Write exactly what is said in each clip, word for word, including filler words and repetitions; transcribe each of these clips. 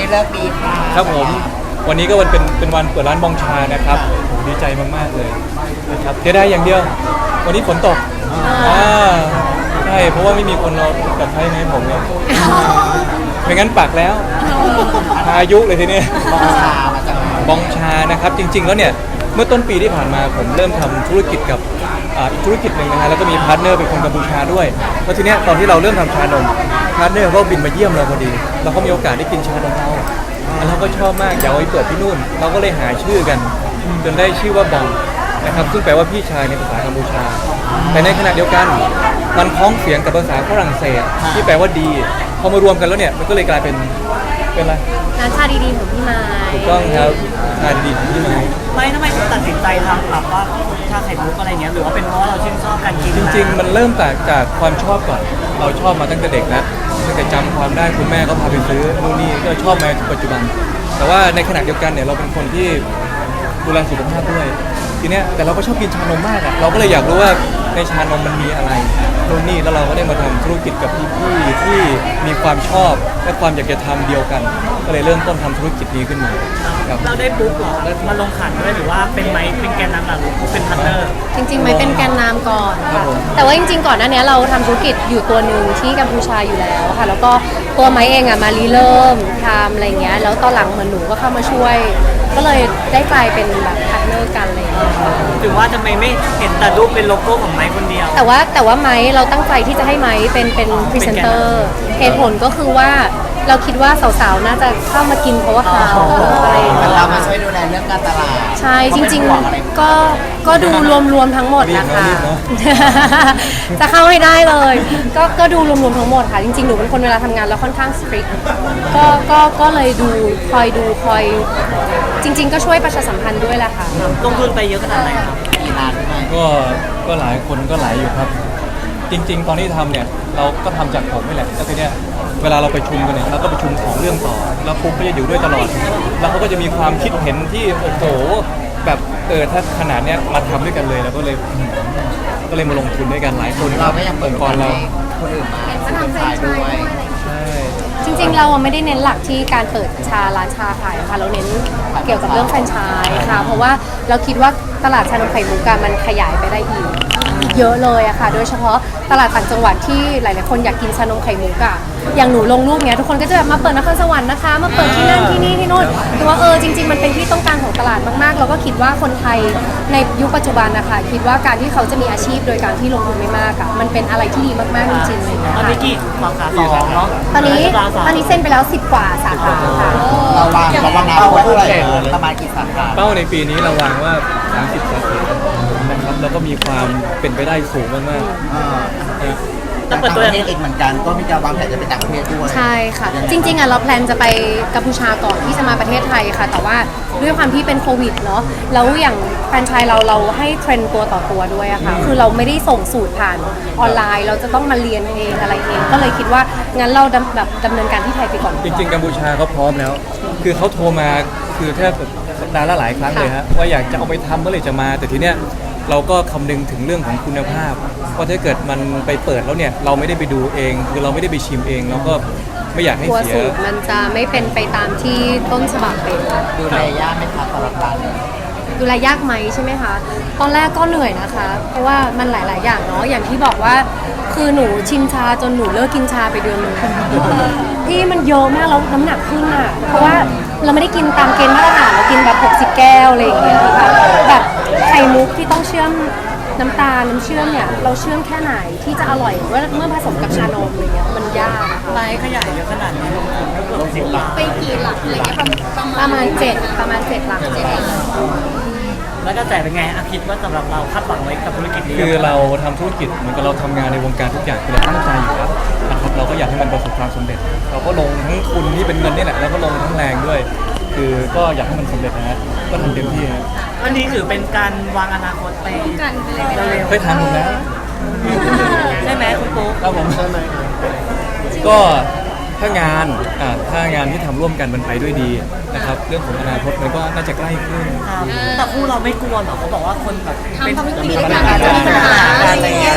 เลิกดีค่ะครับผมวันนี้ก็วันเป็นเป็นวันเปิดร้านบองชานะครับผมดีใจมากๆเลยนะครับเสียดายอย่างเดียววันนี้ฝนตกอ่าใช่เพราะว่าไม่มีคนเราตัดไฟให้ผมเลยไม่งั้นปักแล้วพายุเลยทีนี้บองชามาจากไหนบองชานะครับจริงๆแล้วเนี่ยเมื่อต้นปีที่ผ่านมาผมเริ่มทำธุรกิจกับอ่าอีกธุรกิจหนึ่งนะฮะแล้วก็มีพาร์ทเนอร์เป็นคนกัมพูชาด้วยแล้วทีเนี้ยตอนที่เราเริ่มทำชานมพาร์ทเนอร์ก็บินมาเยี่ยมเราพอดีเราก็มีโอกาสได้กินชานมเราแล้วเราก็ชอบมากอยากเอาไปเปิดที่นู่นเราก็เลยหาชื่อกันจนได้ชื่อว่าบองนะครับซึ่งแปลว่าพี่ชายในภาษากัมพูชาแต่ในขณะเดียวกันมันพ้องเสียงกับภาษาฝรั่งเศสที่แปลว่าดีพอมารวมกันแล้วเนี่ยมันก็เลยกลายเป็นเป็นอะไรร้านชาดีๆของพี่ไม้ถูกต้องครับชาดีๆของพี่ไม้ไม่ทำไมถึงตัดสินใจทำแบบว่าชาไข่มุกอะไรเงี้ยหรือว่าเป็นเพราะเราชื่นชอบการกินจริงๆมันเริ่มจากจากความชอบก่อนเราชอบมาตั้งแต่เด็กแล้วตั้งแต่จำความได้คุณแม่ก็พาไปซื้อนู่นนี่ก็ชอบมาถึงปัจจุบันแต่ว่าในขณะเดียวกันเนี่ยเราเป็นคนที่ดูแลสุขภาพด้วยทีเนี้ยแต่เราก็ชอบกินชานมมากอ่ะเราก็เลยอยากรู้ว่าในชานมมันมีอะไรนู่นนี่แล้วเราก็ได้มาทำธุรกิจกับพี่ๆที่มีความชอบและความอยากจะทำเดียวกันก็เลยเริ่มต้นทำธุรกิจนี้ขึ้นมาครับเราได้บุ๊กหรอมาลงขันด้วยหรือว่าเป็นไม้เป็นแกนนำหลักหรือเป็นพาร์ทเนอร์จริงๆไม่เป็นแกนนำก่อนค่ะแต่ว่าจริงๆก่อนหน้านี้เราทำธุรกิจอยู่ตัวหนึ่งที่กัมพูชาอยู่แล้วค่ะแล้วก็ตัวไม้เองอ่ะมารีเริ่มทำอะไรเงี้ยแล้วตอนหลังเหมือนหนูก็เข้ามาช่วยก็เลยได้กลายเป็นแบบพาร์ทเนอร์กันอะไรอย่างเงี้ยหรือว่าทำไมไม่เห็นแต่รูปเป็นโลโก้ของไม้คนเดียวแต่ว่าแต่ว่าไม้เราตั้งใจที่จะให้ไม้เป็นเป็นพรีเซนเตอร์เหตุผลก็คือว่าเราคิดว่าสาวๆน่าจะเข้ามากินเพราะว่าเขาอะไรอย่างเงี้ยเรามาช่วยดูแลเรื่องการตลาดใช่จริงๆก็ก็ดูรวมๆทั้งหมดนะคะจะเข้าให้ได้เลยก็ก็ดูรวมๆทั้งหมดค่ะจริงๆหนูเป็นคนเวลาทำงานแล้วค่อนข้างสตริกก็ก็ก็เลยดูคอยดูคอยจริงๆก็ช่วยประชาสัมพันธ์ด้วยแหละค่ะลงทุนไปเยอะขนาดไหนครับกี่ล้านก็ก็หลายคนก็หลายอยู่ครับจริงๆตอนที่ทำเนี่ยเราก็ทำจากผมนี่แหละแล้วทีเนี้ยเวลาเราไปชุมกันเนี่ยเราก็ไปชุมของเรื่องต่อแล้วปุ๊บก็จะอยู่ด้วยตลอดแล้วเขาก็จะมีความคิดเห็นที่โอ้โหแบบเออถ้าขนาดเนี้ยมาทำด้วยกันเลยเราก็เลยก็เลยมาลงทุนด้วยกันหลายคนเราไม่ยังเปิดก่อนเราคนอื่นมาเป็นคนขายด้วยใช่จริงๆเราไม่ได้เน้นหลักที่การเปิดชาร้านชาขายค่ะเราเน้นเกี่ยวกับเรื่องแฟรนไชส์ค่ะเพราะว่าเราคิดว่าตลาดชานมไข่มุกมันขยายไปได้อีกเยอะเลยอะค่ะโดยเฉพาะตลาดต่างจังหวัดที่หลายๆคนอยากกินชานมไข่มุกอะอย่างหนูลงรูปเนี้ยทุกคนก็จะแบบมาเปิดนครสวรรค์นะคะมาเปิดที่นั่นที่นี่ที่โน่นแต่ว่าเออจริงๆมันเป็นที่ต้องการของตลาดมากๆเราก็คิดว่าคนไทยในยุคปัจจุบันนะคะคิดว่าการที่เขาจะมีอาชีพโดยการที่ลงทุนไม่มากอะมันเป็นอะไรที่ดีมากๆจริงๆเลยตอนนี้กี่สาขาสองเนาะตอนนี้ตอนนี้เซ็นไปแล้วสิบกว่าสาขาค่ะเราวางเราวางเป้าไว้เท่าไหร่ประมาณกี่สาขาเป้าในปีนี้เราวางว่าสามสิบสาขานะครับแล้วก็มีความเป็นไปได้สูงมากๆต่างประเทศเองเหมือนกันก็มีการวางแผนจะไปต่างประเทศด้วยใช่ค่ะจริงๆอ่ะเราแพลนจะไปกัมพูชาก่อนที่จะมาประเทศไทยค่ะแต่ว่าด้วยความที่เป็นโควิดเนาะแล้วอย่างแฟรนไชส์เราเราให้เทรนตัวต่อตัวด้วยอะค่ะคือเราไม่ได้ส่งสูตรผ่านออนไลน์เราจะต้องมาเรียนเองอะไรเองก็เลยคิดว่างั้นเราแบบดำเนินการที่ไทยไปก่อนจริงๆกัมพูชาเขาพร้อมแล้วคือเขาโทรมาคือแทบสัปดาห์ละหลายครั้งเลยฮะว่าอยากจะเอาไปทำเมื่อไหร่จะมาแต่ทีเนี้ยเราก็คำนึงถึงเรื่องของคุณภาพว่าถ้าเกิดมันไปเปิดแล้วเนี่ยเราไม่ได้ไปดูเองคือเราไม่ได้ไปชิมเองเราก็ไม่อยากให้เสียสูตรมันจะไม่เป็นไปตามที่ต้นฉบับเป็นดูแลยากไหมคะสำหรับร้านดูแลยากไหมใช่ไหมคะตอนแรกก็เหนื่อยนะคะเพราะว่ามันหลายๆอย่างเนาะอย่างที่บอกว่าคือหนูชิมชาจนหนูเลิกกินชาไปเดือนนึงที่มันเยอะมากแล้วน้ำหนักขึ้นอ่ะเพราะว่าเราไม่ได้กินตามเกณฑ์มาตรฐานเรากินแบบหกสิบแก้วอะไรอย่างเงี้ยค่ะแบบไข่มุกที่ต้องเชื่อมน้ำตาลน้ำเชื่อมเนี่ยเราเชื่อมแค่ไหนที่จะอร่อยเมื่อผสมกับชานมอะไรเงี้ยมันยากไลฟ์ขยายเยอะขนาดนี้ลงทุนก็เกือบสิบล้านไปกี่หลักอะไรเงี้ยประมาณเจ็ดประมาณเจ็ดหลักเจ็ดหลักแล้วก็แต่เป็นไงอาคิดว่าสำหรับเราคาดหวังไว้กับธุรกิจนี้คือเราทำธุรกิจเหมือนกับเราทำงานในวงการทุกอย่างคือเราตั้งใจอยู่แล้วนะครับเราก็อยากให้มันประสบความสำเร็จเราก็ลงทั้งทุนที่เป็นเงินนี่แหละแล้วก็ลงทั้งแรงด้วยคือก็อยากให้มันสำเร็จนะฮะก็ทำเต็มที่ฮะอันนี้ถือเป็นการวางอนาคตไปเร็วๆเคยทำแล้วใช่ไหมคุณปุ๊กครับผมก็ถ้างานอ่าถ้างานที่ทำร่วมกันมันไปด้วยดีนะครับเรื่องของอนาคตมันก็น่าจะใกล้ขึ้นแต่คู่เราไม่กลัวหรอเขาบอกว่าคนแบบเป็นทำธุรกิจด้วยกันจะมีปัญหาอะไรเงี้ย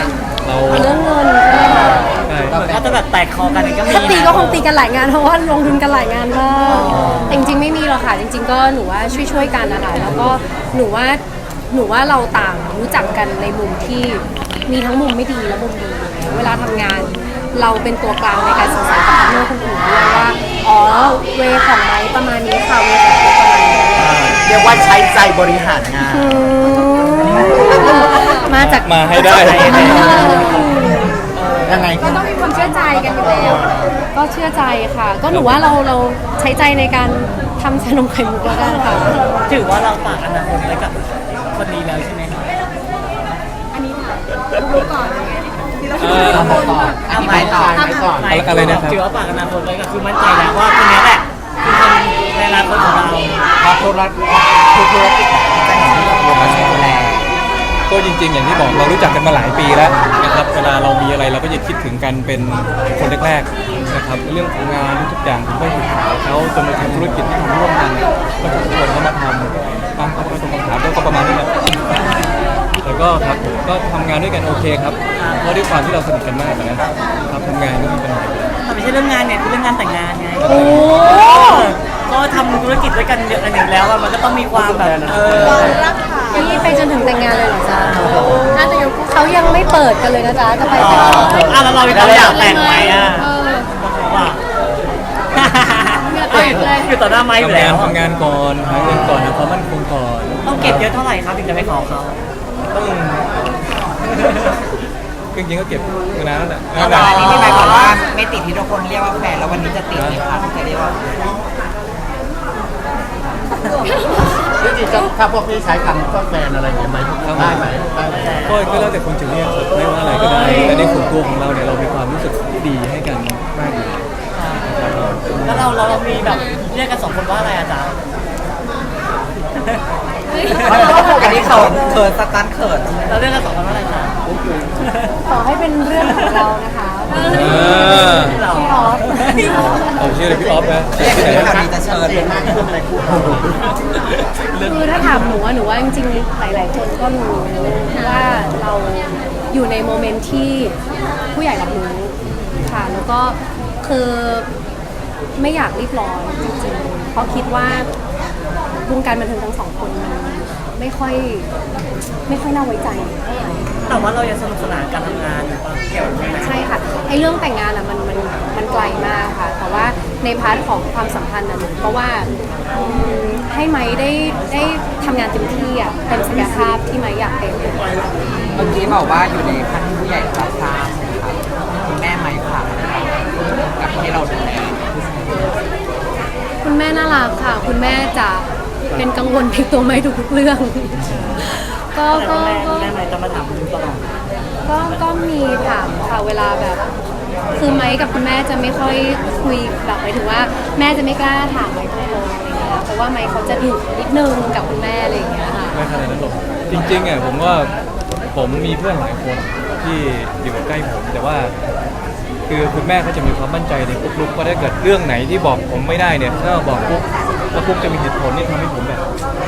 เราเรื่องเงินใช่ไหมคะใช่เหมือนก็จะแบบแตกคอกันก็มีถ้าตีก็คงตีกันหลายงานเพราะว่าลงทุนกันหลายงานมากแต่จริงๆไม่มีหรอกค่ะ จริง ๆ ก็หนูว่าช่วยๆกันนะคะแล้วก็หนูว่าหนูว่าเราต่างรู้จักกันในมุมที่มีทั้งมุมไม่ดีและมุมดีเวลาทำงาน เราเป็นตัวกลางในการสื่อสารกับพาร์ทเนอร์คนอื่นด้วยว่าอ๋อเวของไม้ประมาณนี้ค่ะเวของคุณประมาณนี้เรียกว่าใช้ใจบริหารงานอืมมาจากมาให้ได้ยังไงก็ต้องมีความเชื่อใจกันอยู่แล้วก็เชื่อใจค่ะ ก็หนูว่าเราเราใช้ใจในการทำชานมไข่มุกแล้วกันค่ะถือว่าเราฝากอนาคตไว้กับคนนี้แล้วใช่ไหมคะอันนี้ค่ะรู้ก่อนไงที่เราเอ่อเอาต่อก่อนอันนี้ไปต่อไปก่อนไม่อะไรนะครับถือว่าฝากอนาคตไว้ก็คือมั่นใจแล้วว่าคนนี้แหละคือคนในอนาคตของเราพอธุรกิจคือธุรกิจจะเห็นที่เราลงมาดูแลก็จริงๆ อย่างที่บอกเรารู้จักกันมาหลายปีแล้วนะครับเวลาเรามีอะไรเราก็จะคิดถึงกันเป็นคนแรกๆนะครับเรื่องของงานทุกๆอย่างผมก็อยู่กับเขาจนมาทำธุรกิจที่ทำร่วมกันก็ชวนเขามาทำบางเขาก็ตรงคำถามก็ประมาณนี้แหละแต่ก็ครับผมก็ทำงานด้วยกันโอเคครับเพราะด้วยความที่เราสนิทกันมากนะครับทำงานก็มีปัญหาแต่ไม่ใช่เรื่องงานเนี่ยคือเรื่องงานแต่งงานไงโอ้ก็ทำธุรกิจด้วยกันเยอะอันหนึ่งแล้วอะมันก็ต้องมีความแบบเออนี่ไปจนถึงแต่งงานเลยเหรอจ๊ะน่าจะยกเขายังไม่เปิดกันเลยนะจ๊ะจะไปแต่งงานอ่ะแล้วเราเราอยากแต่งไหมอ่ะเออว่าเหงื่อแตกเลยอยู่ต่อหน้าไม้อยู่ทำแล้งานวทำงานก่อนหาเงินก่อนนะความมั่นคงก่อนต้องเก็บเยอะเท่าไหร่ครับถึงจะไปขอเขาต้องจริงๆก็เก็บมานานแล้วแหละแล้วก่อนอันนี้ที่หมายความว่าไม่ติดที่ทุกคนเรียกว่าแฟนแล้ววันนี้จะติดไหมคะจะเรียกว่าจริงๆถ้าพวกพี่ใช้คำว่าแฟนอะไรอย่างเงี้ยไหมได้ไหมได้ไหมก็ก็แล้วแต่คนจะเรียกครับไม่ว่าอะไรก็ได้แต่ในส่วนตัวของเราเนี่ยเรามีความรู้สึกที่ดีให้กันมากอยู่แล้วเราเรามีแบบเรียกกันสองคนว่าอะไรอาจารย์อันนี้เขินเขินสตันเขินเราเรียกกันสองคนว่าอะไรจ๊ะขอให้เป็นเรื่องของเรานะคะเออเราพี่ออฟผมชื่ออะไรพี่ออฟนะเรียกที่ไหนเป็นนะคำนี้จะเชิญมากขึ้นอะไรคู่คือถ้าถามหนูว่าหนูว่าจริงๆหลาย ๆ คนก็รู้ว่าเราอยู่ในโมเมนต์ที่ผู้ใหญ่รับรู้ค่ะ แล้วก็คือไม่อยากรีบร้อนจริงๆเพราะคิดว่าวงการบันเทิงทั้งสองคนมันไม่ค่อยไม่ค่อยน่าไว้ใจเท่าไหร่แต่ว่าเรายังสนุกสนานการทำงานอยู่ป่ะเกี่ยวไหมใช่ค่ะไอ้เรื่องแต่งงานอ่ะมันมันมันไกลมากค่ะ แต่ว่าในพาร์ทของความสัมพันธ์อ่ะหนูเพราะว่าอืมให้ไม้ได้ได้ทำงานเต็มที่อ่ะเต็มศักยภาพที่ไม้อยากเป็นเมื่อกี้บอกว่าอยู่ในขั้นที่ผู้ใหญ่รับทราบนะครับคุณแม่ไม้ผ่านกับที่เราดูแลคุณแม่น่ารักค่ะ คุณแม่จะเป็นกังวลในตัวไม้ทุกๆเรื่อง ก็แต่ก็แม่ก็แม่ไม่จะมาถามตลอดก็ก็มีถามค่ะเวลาแบบ คือไม้กับคุณแม่จะไม่ค่อยคุยแบบหมายถึงว่าแม่จะไม่กล้าถามไม้ตรงๆอะไรเงี้ยเพราะว่าไม้เขาจะดุนิดนึงกับคุณแม่อะไรอย่างเงี้ยค่ะไม่ขนาดนั้นหรอกจริงๆอ่ะผมว่าผมมีเพื่อนหลายคนที่อยู่ใกล้ผมแต่ว่า คือคุณแม่เขาจะมีความมั่นใจในปุ๊กลุกว่าถ้าเกิดเรื่องไหนที่บอกผมไม่ได้เนี่ยถ้าบอกปุ๊บแล้วปุ๊บจะมีเหตุผลที่ทำให้ผมแบบ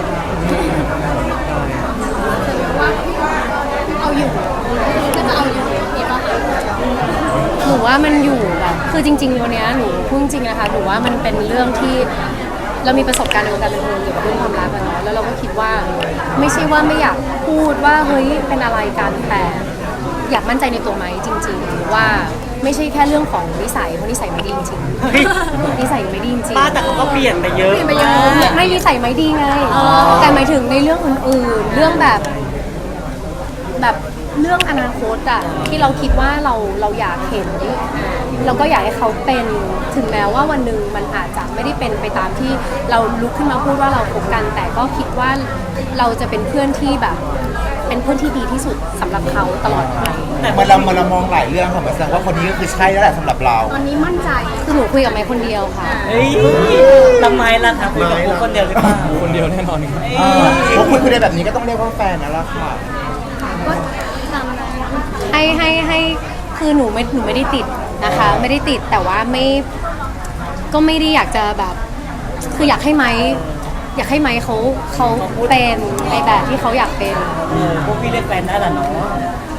เอาอยู่ก็จะเอาอยู่มีป่ะหนูว่ามันอยู่แบบคือจริงๆวันเนี้ยหนูพูดจริงๆนะคะหนูว่ามันเป็นเรื่องที่เรามีประสบการณ์ในวงการบันเทิงเกี่ยวกับเรื่องความรักอะเนาะแล้วเราก็คิดว่าไม่ใช่ว่าไม่อยากพูดว่าเฮ้ยเป็นอะไรกันแต่อยากมั่นใจในตัวไหมจริงๆว่าไม่ใช่แค่เรื่องของนิสัยเพราะนิสัยไม่ดีจริงๆนิสัยไม่ดีจริงป้าแต่เขาก็เปลี่ยนไปเยอะไม่นิสัยไม่ดีไงแต่หมายถึงในเรื่องอื่นๆ เรื่องแบบแบบเรื่องอนาคตอะที่เราคิดว่าเราเราอยากเห็นเราก็อยากให้เขาเป็นถึงแม้ว่าวันหนึ่งมันอาจจะไม่ได้เป็นไปตามที่เราลุกขึ้นมาพูดว่าเราคบกัน แต่ก็คิดว่าเราจะเป็นเพื่อนที่แบบ เป็นเพื่อนที่ดีที่สุดสำหรับเขาตลอดไปแต่เมื่อเราเมื่อเรามองหลายเรื่องค่ะหมายถึงว่าคนนี้ก็คือใช่แล้วแหละสำหรับเราตอนนี้มั่นใจคือหนูคุยกับไมค์คนเดียวค่ะเฮ้ยทำไมล่ะคะคุยกับคนเดียวหรือเปล่าคนเดียวแน่นอนครับเออพวกคุณคุยได้แบบนี้ก็ต้องเรียกว่าแฟนนั่นแหละค่ะให้ให้ให้คือหนูไม่หนูไม่ได้ติดนะคะ ไม่ได้ติดแต่ว่าไม่ก็ไม่ได้อยากจะแบบ คืออยากให้ไม้อยากให้ไม้เขาเขาเป็นในแบบที่เขาอยากเป็นเออพวกพี่เรียกแฟนได้แหละเนาะ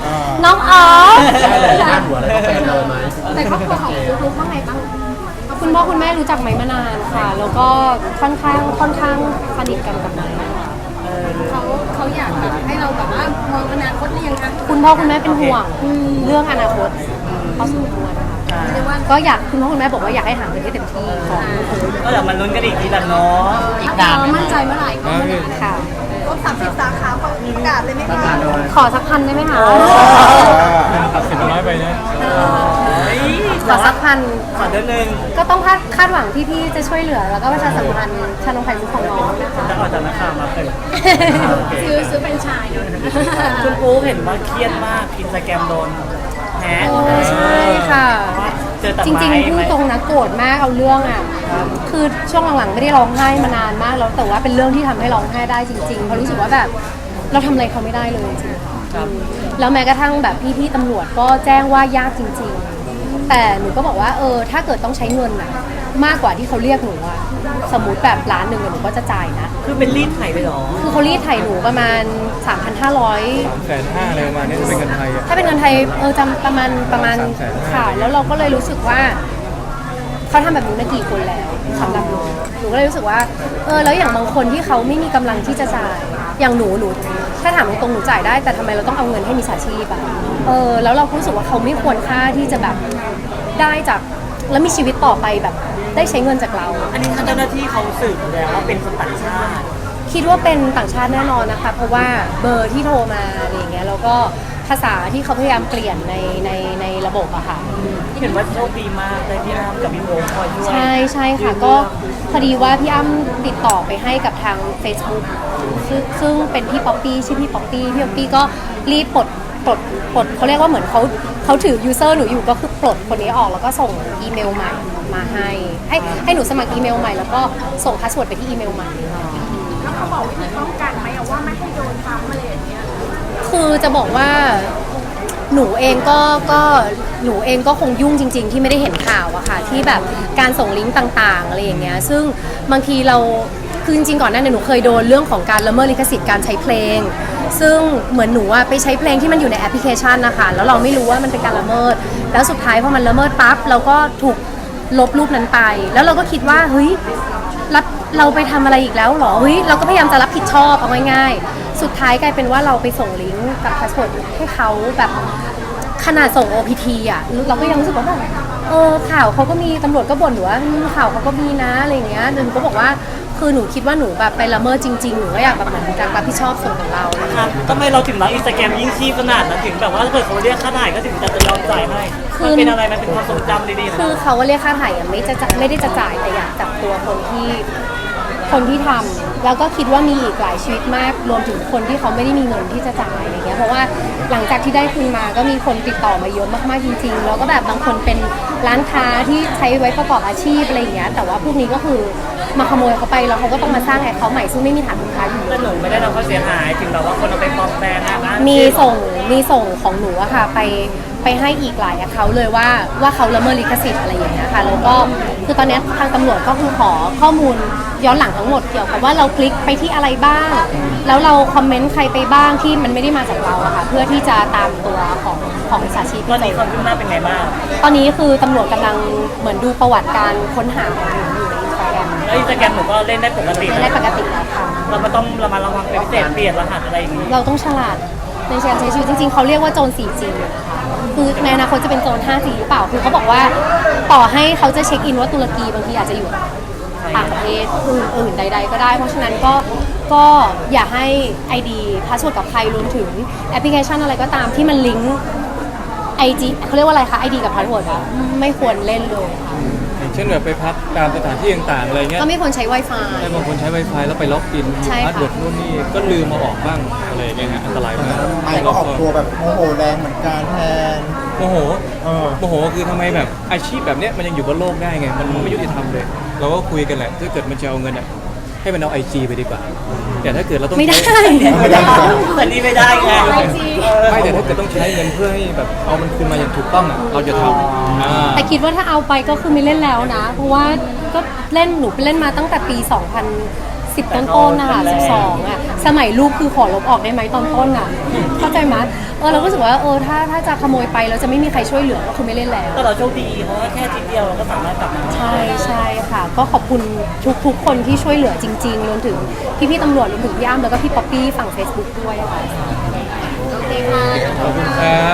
น้องออฟพาดหัวอะไรก็แฟนเลยไหมแต่ครอบครัวของลูกๆว่าไงบ้างคุณพ่อคุณแม่รู้จักไหมมานานค่ะ แล้วก็ค่อนข้างค่อนข้างสนิทกันกับไม้ค่ะเขาเขาอยากแบบให้เราแบบว่ามองอนาคตหรือยังคะคุณพ่อคุณแม่เป็นห่วงเรื่องอนาคตพอสมควรค่ะเรียกว่าก็อยากคุณพ่อคุณแม่บอกว่าอยากให้หาเงินให้เต็มที่ของก็เดี๋ยวมันลุ้นกันอีกทีละเนาะอีกนานไหมมั่นใจเมื่อไหร่ก็เมื่อนั้นค่ะครบสามสิบสาขาประกาศเลยไหมคะขอสักพันได้ไหมคะตัดสินน้อยไปนะขอสักพันขอเดือนหนึ่งก็ต้องคาดคาดหวังพี่ๆจะช่วยเหลือ แล้วก็ประชาสัมพันธ์ชานมไข่มุกของน้องนะคะจะออกจากนักข่าวมาเป็นซื้อซื้อเป็นไชายเนอะคุณปูเห็นว่าเครียดมากอินสตาแกรมโดนแฮกโอ้ใช่ค่ะเจอแต่จริงๆพูดตรงนะโกรธมากเอาเรื่องอ่ะ คือช่วงหลังๆไม่ได้ร้องไห้มานานมากแล้วแต่ว่าเป็นเรื่องที่ทำให้ร้องไห้ได้จริงๆเพราะรู้สึกว่าแบบเราทำอะไรเขาไม่ได้เลยจริงๆครับแล้วแม้กระทั่งแบบพี่ๆตำรวจก็แจ้งว่ายากจริง ๆ แต่หนูก็บอกว่าเออถ้าเกิดต้องใช้เงินอะมากกว่าที่เขาเรียกหนูอะสมมุติแบบล้านหนึ่งอะหนูก็จะจ่ายนะคือเป็นรีดไถไปเหรอคือเขารีดไถ่หนูประมาณ สามพันห้าร้อยสามแสนห้าอะไรประมาณนี้ถ้าเป็นเงินไทยอ่ะถ้าเป็นเงินไทยเออจำประมาณประมาณสามแสนห้าค่ะ แล้วเราก็เลยรู้สึกว่าเขาทำแบบนี้มากี่คนแล้วสำหรับหนูหนูก็เลยรู้สึกว่าเออแล้วอย่างบางคนที่เขาไม่มีกำลังที่จะจ่ายอย่างหนูหนูถ้าถามตรงๆหนูจ่ายได้แต่ทำไมเราต้องเอาเงินให้มิจฉาชีพอะเออแล้วเรารู้สึกว่าเขาไม่ควรค่าที่จะแบบได้จากแล้วมีชีวิตต่อไปแบบได้ใช้เงินจากเราอันนี้ทางเจ้าหน้าที่เขาสืบแล้วว่าเป็นคนต่างชาติคิดว่าเป็นต่างชาติแน่นอนนะคะ เพราะว่าเบอร์ที่โทรมาอะไรอย่างเงี้ยแล้วก็ภาษาที่เขาพยายามเปลี่ยนในในในระบบอะค่ะเห็นว่าโชคดีมากเลยพี่อ้ำกับพี่โอ๊คคอยช่วยใช่ใช่ค่ะก็พอดีว่าพี่อ้ำติดต่อไปให้กับทาง Facebook ซึ่งซึ่งเป็นพี่ป๊อปปี้ชื่อพี่ป๊อปปี้พี่ป๊อปปี้ก็รีบปลดปลดปลดเขาเรียกว่าเหมือนเขาเขาถือยูเซอร์หนูอยู่ก็คือปลดคนนี้ออกแล้วก็ส่งอีเมลใหม่มาให้ให้ให้หนูสมัครอีเมลใหม่แล้วก็ส่งพาสเวิร์ดไปที่อีเมลใหม่แล้วเขาบอกวิธีป้องกันไหมอะว่าไม่ให้โดนซ้ำอะไรอย่างเงี้ยคือจะบอกว่าหนูเองก็ก็หนูเองก็คงยุ่งจริง ๆ ที่ไม่ได้เห็นข่าวอะค่ะที่แบบการส่งลิงก์ต่างๆอะไรอย่างเงี้ยซึ่งบางทีเราคือจริงๆก่อนหน้านี้หนูเคยโดนเรื่องของการละเมิดลิขสิทธิ์การใช้เพลง ซึ่งเหมือนหนูอะไปใช้เพลงที่มันอยู่ในแอปพลิเคชันนะคะแล้วเราไม่รู้ว่ามันเป็นการละเมิด แล้วสุดท้ายพอมันละเมิดปั๊บเราก็ถูกลบรูปนั้นไป แล้วเราก็คิดว่าเฮ้ยรับเราไปทำอะไรอีกแล้วเหรอเฮ้ยเราก็พยายามจะรับผิดชอบเอาง่ายๆสุดท้ายกลายเป็นว่าเราไปส่งลิงก์กับพาสเวิร์ดให้เขาแบบขนาดส่ง โอ พี ที อ่ะเราก็ยังรู้สึกว่าแบบเออข่าวเขาก็มีตำรวจก็บ่นหนูว่าอืมข่าวเขาก็มีนะอะไรอย่างเงี้ยหนูก็บอกว่าคือหนูคิดว่าหนูแบบไปละเมิดจริงๆหนูก็อยากแบบเหมือนการรับผิดชอบส่วนของเราอะไรอย่างครัเงี้บยทำไมเราถึงรักอินสตาแกรมยิ่งชีพขนาดนั้นถึงแบบว่าถ้าเกิดเขาเรียกค่าถ่ายก็ถึงจะยอมจ่ายให้มันเป็นอะไรมันเป็นความทรงจำดีๆนะคือเขาก็เรียกค่าถ่ายอะไม่จะจะไม่ได้จะจ่ายแต่อยากจับตัวคนที่คนที่ทำแล้วก็คิดว่ามีอีกหลายชีวิตมากรวมถึงคนที่เขาไม่ได้มีเงินที่จะจ่ายอะไรเงี้ยเพราะว่าหลังจากที่ได้คืนมาก็มีคนติดต่อมาเยอะมากๆจริงๆแล้วก็แบบบางคนเป็นร้านค้าที่ใช้ไว้ประกอบอาชีพอะไรอย่างเงี้ยแต่ว่าพวกนี้ก็คือมาขโมยเขาไปแล้วเขาก็ต้องมาสร้างแอคเคาท์ใหม่ซึ่งไม่มีฐานลูกค้าอยู่แต่หนูไม่ได้รับความเสียหายถึงแบบว่าคนเอาไปปลอมแปลงนะนะมีส่งมีส่งของหนูอะค่ะไปไปให้อีกหลายเขาเลยว่าว่าเขาละเมิดลิขสิทธิ์อะไรอย่างเงี้ยค่ะแล้วก็คือตอนนี้ทางตำรวจก็คือขอข้อมูลย้อนหลังทั้งหมดเกี่ยวกับว่าเราคลิกไปที่อะไรบ้าง แล้วเราคอมเมนต์ใครไปบ้างที่มันไม่ได้มาจากเราอะค่ะเพื่อที่จะตามตัวของของมิจฉาชีพตอนที่นี้เจความอคืบหน้าเป็นไงบ้างตอนนี้คือตำรวจกำลังเหมือนดูประวัติการค้นหาของหนูอยู่ในอินสตาแกรมแล้วอินสตาแกรมหนูก็เล่นได้ปกติไม่ได้ปกติแล้วค่ะเราก็ต้องระมัดระวังเป็นพิเศษเปลี่ยนรหัสอะไรอย่างนี้เราต้องฉลาดในการใช้ชีวิตจริงๆเขาเรียกว่าโจร โฟร์จี นะคะคือในอนาคตจะเป็นโจร ไฟว์จี หรือเปล่าคือเขาบอกว่าต่อให้เขาจะเช็คอินว่าตุรกีบางทีอาจจะอยู่ต่างประเทศอื่นๆใด ๆ ก็ได้ เพราะฉะนั้นก็ก็อย่าให้ ไอ ดี พาสเวิร์ดกับใครรวมถึงแอปพลิเคชันอะไรก็ตามที่มันลิงก์ ไอ จี เขาเรียกว่าอะไรคะ ไอ ดี กับพาสเวิร์ดอะไม่ควรเล่นเลยค่ะอย่างเช่นแบบไปพักตามสถานที่ต่างๆอะไรเงี้ยก็ไม่ควรใช้ Wi-Fi ให้บางคนใช้ Wi-Fi แล้วไปล็อกอินใช่ค่ะพาสเวิร์ดนู่นนี่ก็ลืมมาออกบ้างอะไรอย่างเงี้ยฮะอันตรายมากไม่ก็ออกตัวแบบโมโหแรงเหมือนกันแทนโมโหเออโมโหคือทำไมแบบอาชีพแบบเนี้ยมันยังอยู่บนโลกได้ไง มันไม่ยุติธรรมเลย เราก็คุยกันแหละถ้าเกิดมันจะเอาเงินอ่ะให้มันเอาไอจีไปดีกว่าแต่ถ้าเกิดเราต้องไม่ได้ใช้ไม่ได้แต่นี่ไม่ได้ไงไม่แต่ถ้าเกิดต้องใช้เงินเพื่อให้แบบเอามันคืนมาอย่างถูกต้องอ่ะเราจะทำอ่าแต่คิดว่าถ้าเอาไปก็คือไม่เล่นแล้วนะ เพราะว่าก็เล่นหนูไปเล่นมาตั้งแต่ปี สองพันสิบ ต้นๆนะคะสิบสองอ่ะ สมัยลูกคือขอลบออกได้ไหมตอนต้นอ่ะ เข้าใจไหมเออเราก็รู้สึกว่าเออถ้าถ้าจะขโมยไปแล้วจะไม่มีใครช่วยเหลือก็คือไม่เล่นแล้วแต่เราโชคดีเพราะว่าแค่ทีเดียวเราก็สามารถกลับมาใช่ใช่ค่ะ ก็ขอบคุณทุกทุกคนที่ช่วยเหลือจริงๆรวมถึงพี่ๆตำรวจรวมถึงพี่อ้ำแล้วก็พี่ป๊อปปี้ฝั่ง Facebook ด้วยค่ะโอเคค่ะขอบคุณครับ